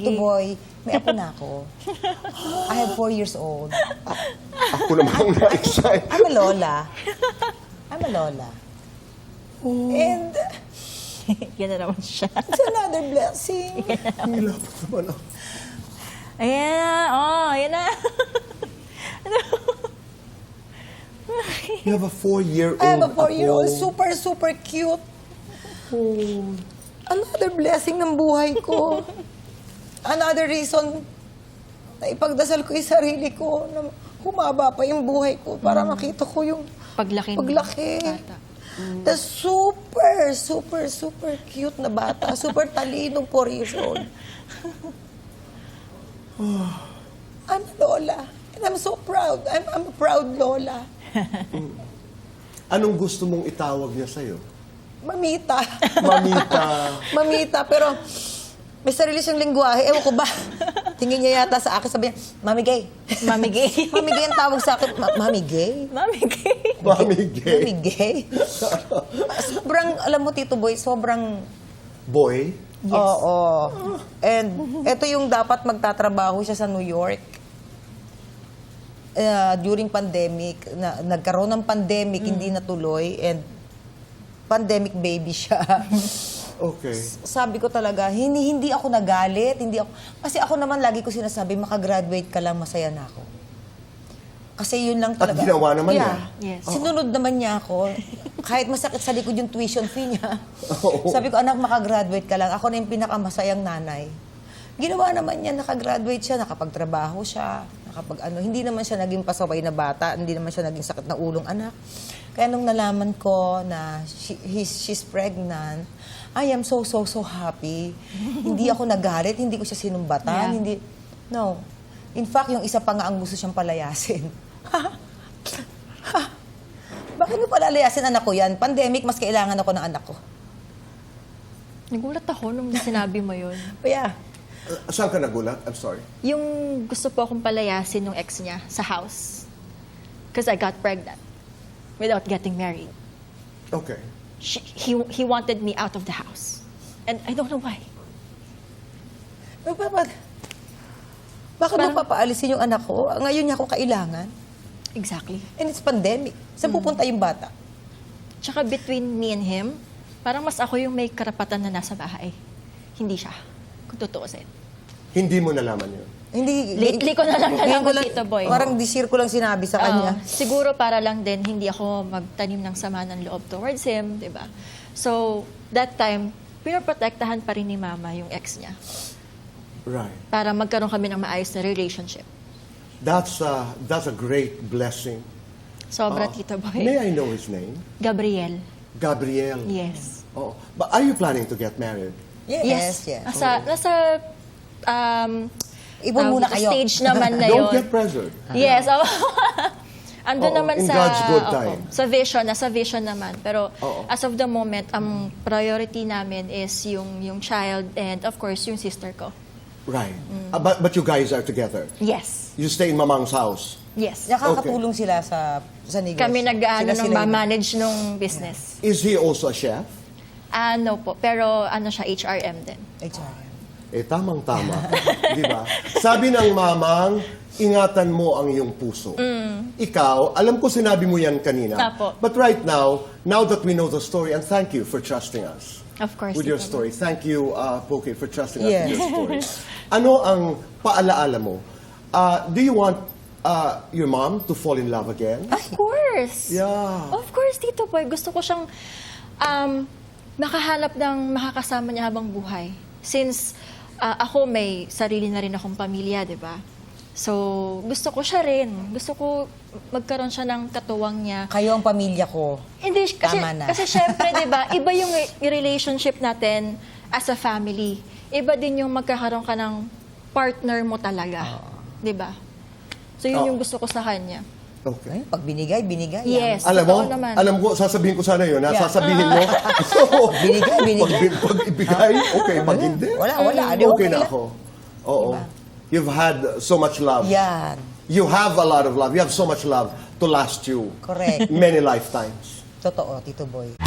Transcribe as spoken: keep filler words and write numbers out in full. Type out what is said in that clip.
Tito Boy, may apo na ako. I have four years old. Ako naman na-excite. I'm a lola. I'm a lola. And Yan na naman siya. it's another blessing. Hila pa naman ako. Ayan na. Oh, ayan na. Ano? You have a four-year-old I have a four-year-old, apo. super, super cute. Another blessing ng buhay ko. Another reason na ipagdasal ko yung sarili ko na humaba pa yung buhay ko para makita ko yung Paglaki. ng paglaki. bata. The super, super, super cute na bata. Super talinong four years old. I'm a lola. And I'm so proud. I'm, I'm a proud lola. Anong gusto mong itawag niya sa'yo? Mamita. Mamita. Mamita, pero may sarili siyang lingwahe. Ewan ko ba? Tingin niya yata sa akin, sabi niya, Mami Gay. Mami gay. Mami Gay ang tawag sa akin. Ma- Mami Gay? Mami gay. Mami Mami gay. Gay? Sobrang, alam mo, Tito Boy, sobrang... Boy? Yes. Oo. And ito yung dapat magtatrabaho siya sa New York. Uh, during pandemic, na, nagkaroon ng pandemic, hindi natuloy, and pandemic baby siya. Okay. Sabi ko talaga, hindi, hindi ako nagalit, hindi ako, kasi ako naman lagi ko sinasabi, makagraduate ka lang, masaya na ako. Kasi yun lang At talaga. ginawa naman yeah. niya. Yes. Sinunod naman niya ako. Kahit masakit sa likod yung tuition fee niya. Oo. Sabi ko, anak, makagraduate ka lang. Ako na yung pinakamasayang nanay. Ginawa naman niya, nakagraduate siya, nakapagtrabaho siya, nakapag ano, hindi naman siya naging pasaway na bata, hindi naman siya naging sakit na ulong anak. Kaya nung nalaman ko na she, he's, she's pregnant, I am so, so, so happy. Hindi ako nagalit, hindi ko siya sinumbatan, Yeah. hindi, no. In fact, yung isa pa nga ang gusto siyang palayasin. Bakit mo palalayasin anak ko yan? Pandemic, mas kailangan ako ng anak ko. Nagulat ako nung sinabi mo yun. Kaya, Uh, saan ka nagulat? I'm sorry. Yung gusto po akong palayasin ng ex niya sa house. Because I got pregnant without getting married. Okay. She, he, he wanted me out of the house. And I don't know why. bakit, bakit mo Parang- papaalisin yung anak ko? Ngayon niya ako kailangan. Exactly. And it's pandemic. Saan pupunta yung bata? Tsaka between me and him, parang mas ako yung may karapatan na nasa bahay. Hindi siya. Kung tutuusin. Hindi mo nalaman yun. Hindi, Lately ko na lang Ngayon nalaman, Tito Boy. Parang this year ko lang sinabi sa kanya. Oo. Siguro para lang din hindi ako magtanim ng sama ng loob towards him, di ba? So, that time, pinoprotektahan pa rin ni Mama yung ex niya Right. para magkaroon kami ng maayos na relationship. That's a, that's a great blessing. Sobra, Ah, Tito May Boy. I know his name? Gabriel. Gabriel. Yes. Oh. But are you planning to get married? Yes, yes. Nasa, nasa, um, Ipon tawag muna dito, kayo. stage naman na Don't yun. get pressured. Yes. Oh. Andun Oo, naman in sa, God's good opo, time. sa vision, nasa vision naman. Pero Oo. as of the moment, ang priority namin is yung yung child and of course yung sister ko. Right. Uh, but, but you guys are together. Yes. You stay in Mamang's house. Yes. Nakakatulong sila sa sa negosyo. Kami nag-ano Sila- nung sila yun. manage nung business. Is he also a chef? Ano po, pero ano siya, H R M din. H R M. Eh, tamang-tama. Di ba? Sabi ng mamang, ingatan mo ang iyong puso. Ikaw, alam ko sinabi mo yan kanina. Apo. But right now, now that we know the story, and thank you for trusting us Of course. with your Tito story. Boy. Thank you, uh, Poke, for trusting us Yes. with your story. Ano ang paalaala mo? Uh, do you want uh, your mom to fall in love again? Of course. Yeah. Of course, Tito Boy. Gusto ko siyang um, makahanap ng makakasama niya habang buhay. Since uh, ako may sarili na rin akong pamilya, di ba? So, gusto ko siya rin. Gusto ko magkaroon siya ng katuwang niya. Kayo ang pamilya ko. Hindi, kasi, Tama na. kasi syempre, di ba, iba yung re- relationship natin as a family. Iba din yung magkakaroon ka ng partner mo talaga. Di ba? So, yun Oo. yung gusto ko sa kanya. Okay. Ay, pag binigay, binigay. Yes. Alam mo, totoo naman. alam ko, sasabihin ko sana yun, ha? Yeah. Sasabihin mo. Binigay, binigay. Pag, pag ibigay, okay. Pag hindi, Wala, wala. Di, okay okay na lang. ako. Oo. You've had so much love. Yan. You have a lot of love. You have so much love to last you Correct. many lifetimes. Totoo, Tito Boy.